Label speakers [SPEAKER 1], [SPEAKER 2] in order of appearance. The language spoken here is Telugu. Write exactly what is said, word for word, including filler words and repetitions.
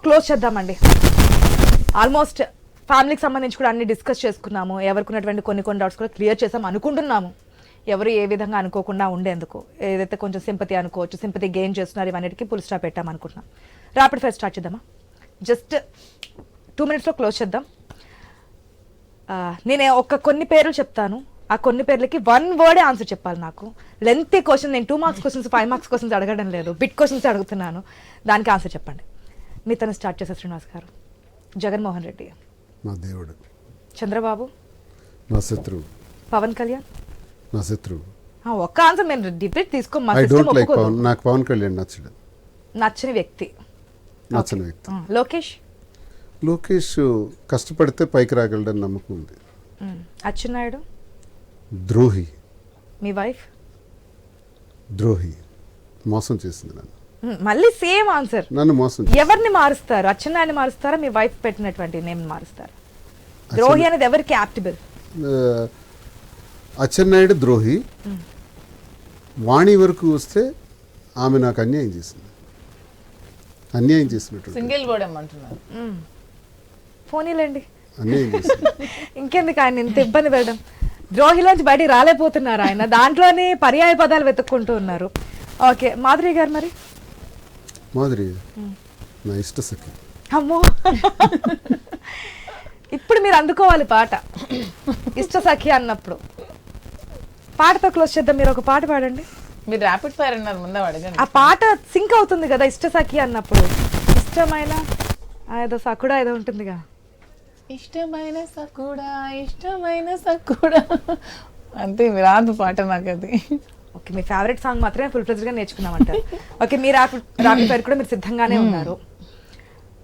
[SPEAKER 1] క్లోజ్ చేద్దామండి. ఆల్మోస్ట్ ఫ్యామిలీకి సంబంధించి కూడా అన్ని డిస్కస్ చేసుకున్నాము. ఎవరికి ఉన్నటువంటి కొన్ని కొన్ని డౌట్స్ కూడా క్లియర్ చేసాం అనుకుంటున్నాము. ఎవరు ఏ విధంగా అనుకోకుండా ఉండేందుకు, ఏదైతే కొంచెం సింపతి అనుకోవచ్చు, సింపతి గెయిన్ చేస్తున్నారు, ఇవన్నిటికీ ఫుల్ స్టాప్ పెట్టాం అనుకుంటున్నాం. ర్యాపిడ్ ఫైర్ స్టార్ట్ చేద్దామా? జస్ట్ టూ మినిట్స్లో క్లోజ్ చేద్దాం. నేను ఒక కొన్ని పేర్లు చెప్తాను, ఆ కొన్ని పేర్లకి వన్ వర్డే ఆన్సర్ చెప్పాలి. నాకు లెంతీ క్వశ్చన్, నేను two marks questions five marks questions అడగడం లేదు, బిట్ క్వశ్చన్స్ అడుగుతున్నాను, దానికి ఆన్సర్ చెప్పండి. మీ తను స్టార్ట్ చేశారు. శ్రీనివాస్ గారు. జగన్మోహన్ రెడ్డి
[SPEAKER 2] మా దేవుడు.
[SPEAKER 1] చంద్రబాబు
[SPEAKER 2] నా శత్రువు.
[SPEAKER 1] పవన్ కళ్యాణ్
[SPEAKER 2] నా శత్రువు.
[SPEAKER 1] ఒక్క ఆన్సర్ నేను డిబేట్ తీసుకో.
[SPEAKER 2] I don't like Pawan. నాకు పవన్ కళ్యాణ్ నచ్చడు.
[SPEAKER 1] నచ్చని వ్యక్తి.
[SPEAKER 2] నచ్చని వ్యక్తి.
[SPEAKER 1] లోకేష్.
[SPEAKER 2] లోకేష్ కష్టపడితే పైకి రాగలడని నమ్మకం ఉంది.
[SPEAKER 1] అచ్చెన్నాయుడు.
[SPEAKER 2] ద్రోహి.
[SPEAKER 1] మీ వైఫ్.
[SPEAKER 2] ద్రోహి. మోసం చేసింది నన్ను.
[SPEAKER 1] మళ్ళీ సేమ్ ఆన్సర్.
[SPEAKER 2] నన్ను మోసం.
[SPEAKER 1] ఎవరిని మారుస్తారు? అచ్చెన్నాయుడిని మారుస్తారా, మీ వైఫ్ పెట్టినటువంటి నేమ్ మారుస్తారా? ద్రోహి అనేది ఎవరికి యాప్టిబుల్?
[SPEAKER 2] అచ్చెన్నాయుడు ద్రోహి. వాణి వరకు వస్తే ఆమె నాకు అన్యాయం చేసింది. అన్యాయం చేసినట్టు.
[SPEAKER 3] సింగిల్ వర్డ్ ఏమంటున్నారు?
[SPEAKER 1] ఫోనీలేండి.
[SPEAKER 2] అన్యాయం చేసింది.
[SPEAKER 1] ఇంకెందుకు ఆయన ఇంత ఇబ్బంది పెట్టడం? ద్రోహిలోంచి బయటికి రాలేకపోతున్నారు ఆయన, దాంట్లోనే పర్యాయ పదాలు వెతుక్కుంటూ ఉన్నారు. ఓకే, మాధురి గారు. మరి
[SPEAKER 2] మాధురి నా ఇష్ట సఖి.
[SPEAKER 1] అమ్మో, ఇప్పుడు మీరు అందుకోవాలి పాట. ఇష్ట సఖి అన్నప్పుడు పాటతో క్లోజ్ చేద్దాం. మీరు ఒక పాట పాడండి.
[SPEAKER 3] మీరు ర్యాపిడ్ ఫైర్ అన్నారు, ముందే అడగండి.
[SPEAKER 1] ఆ పాట సింక్ అవుతుంది కదా ఇష్ట సఖి అన్నప్పుడు. ఇష్టమైన ఏదో సకుడా ఏదో ఉంటుందిగా.
[SPEAKER 3] ఇష్టమైన సకుడా, ఇష్టమైన సకుడా అంతే. రాదు పాట నాకు అది.
[SPEAKER 1] ఓకే, మీ ఫేవరెట్ సాంగ్ మాత్రమే ఫుల్ ఫ్లెజ్డ్గా నేర్చుకున్నామంటారు. ఓకే, మీ ర్యాపిడ్ ర్యాపిడ్ ఫైర్ కూడా మీరు సిద్ధంగానే ఉన్నారు.